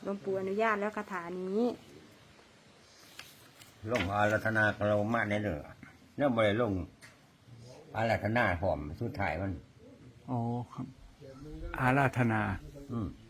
ลวงปู่อนุญาตแล้วคาถานี้ลงอารัธนากเรามาในเด้อเนี่ยบ่ได้ลงอารัธนาพร้อมสุดท้ายมันอ๋อครับ อาราธนาอืม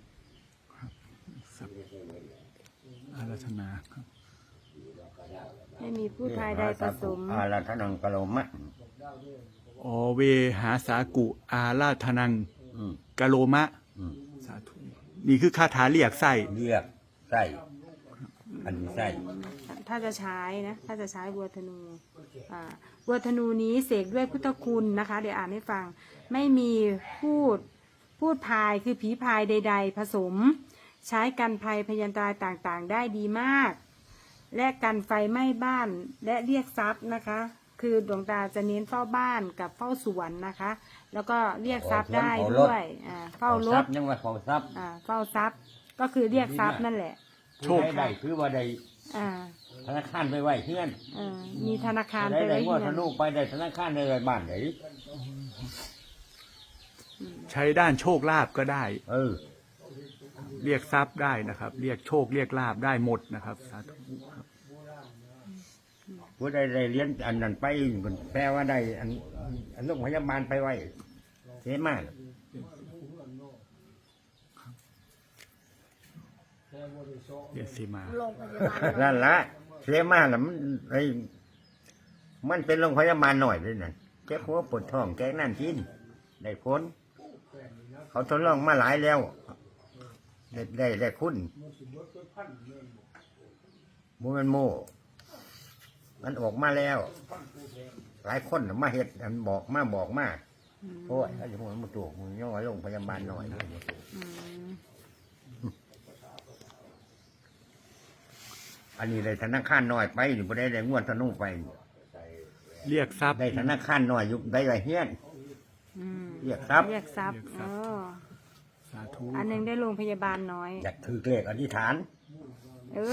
อาราธนาครับไม่มีผู้ชายใดผสมอารัธนังกะโลมะอ๋อเวหาสากุ อาราธนังอืมกะโลมะอืมสาธุนี่คือคาถาเรียกไส้เรียกไส้อันนี้ไส้ถ้าจะใช้นะถ้าจะใช้บัวธนูบัวธนูนี้เสกด้วยพุทธคุณนะคะ เดี๋ยวอ่านให้ฟังไม่มีพูดพายคือผีพายใด ๆ ผสม ใช้กันภัยพยันตรายต่างๆ ได้ดีมาก และกันไฟไหม้บ้านและเรียกทรัพย์นะคะ คือดวงตาจะเน้นเฝ้าบ้านกับเฝ้าสวนนะคะ แล้วก็เรียกทรัพย์ได้ด้วยเฝ้ารถยังว่าเฝ้าทรัพย์เฝ้าทรัพย์ก็คือเรียกทรัพย์นั่นแหละโชคได้คือว่าได้อ่าธนาคารไปไว้เพื่อนมีธนาคารได้ไปได้ไว้งวดที่ธนั่นนูไปได้ธนาคารได้ไว้บ้านไหนใช้ด้านโชคลาภก็ได้เออเรียกทรัพย์ได้นะครับ เรียกโชคเรียกลาภได้หมดนะครับสาธุครับผู้ใดได้เรียนอันนั้นไปแปลว่าได้อันโรงพยาบาลไปไว้เสียมากเรียกสีมาโรงพยาบาลนั่นละเสียมากน่ะมันเป็นโรงพยาบาลหน่อยเลยนั่นแก้หัวปวดท้องแก้นั่นกินได้ผลเขาทดลองมาหลายแล้ว ได้คุณมันโม่มันออกมาแล้ว หลายคนน่ะมาเห็ดอันบอกมาโอ้ยถ้าจะพูดมันถูกมันย่อโรงพยาบาลหน่อย อันนี้ได้ธนาคารน้อยไปหรือไม่ได้งวดธนูไปเรียกทรัพย์ได้ธนาคารน้อยอยู่ได้ไรเฮียนเรียกทรัพย์เรียกทรัพย์สาธุอันหนึงได้โรงพยาบาลน้อยอยากถือเลขอธิษฐานเออ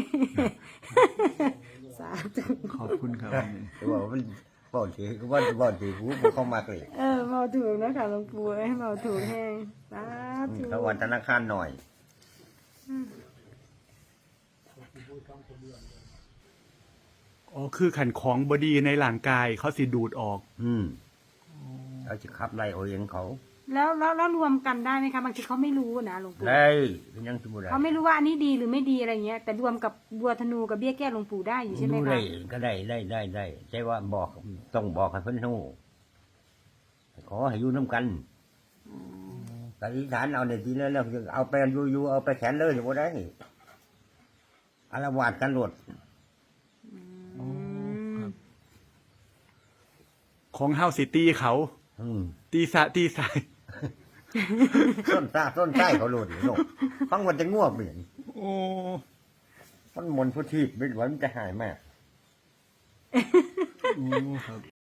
สาธุขอบคุณครับว่ามันบอกถือว่าถือผู้เข้ามาเลยเมาถูกนะคะหลวงปู่เมาถูกแห้งสาธุถ้าวันธนาคารหน่อยอ๋อคือขันของบดีในร่างกายเขาสิดูดออกเขาจะขับไล่เอาเองเขาแล้วรวมกันได้ไหมคะบางทีเขาไม่รู้นะหลวงปู่ได้เป็นยังสมบูรณ์เขาไม่รู้ว่าอันนี้ดีหรือไม่ดีอะไรเงี้ย แต่รวมกับบัวธนูกับเบี้ยแก้หลวงปู่ได้อยู่ใช่ไหมดูคะได้ก็ได้ใช่ว่าบอกต้องบอกให้เพิ่นรู้ขอให้อยู่น้ำกันอธิษฐานเอาในทีแล้วเอาไปอยู่เอาไปแขนเลยอยู่บ่ได้อารวาสกันหลดของเฮาสิตีเขา ตีสะตีสายต้นไส้เขาหลุดโลกฟังวันจะง่วงเหมือนโอ้มันมนต์พุทธิไม่ไหวมันจะหายมากโอ้ครับ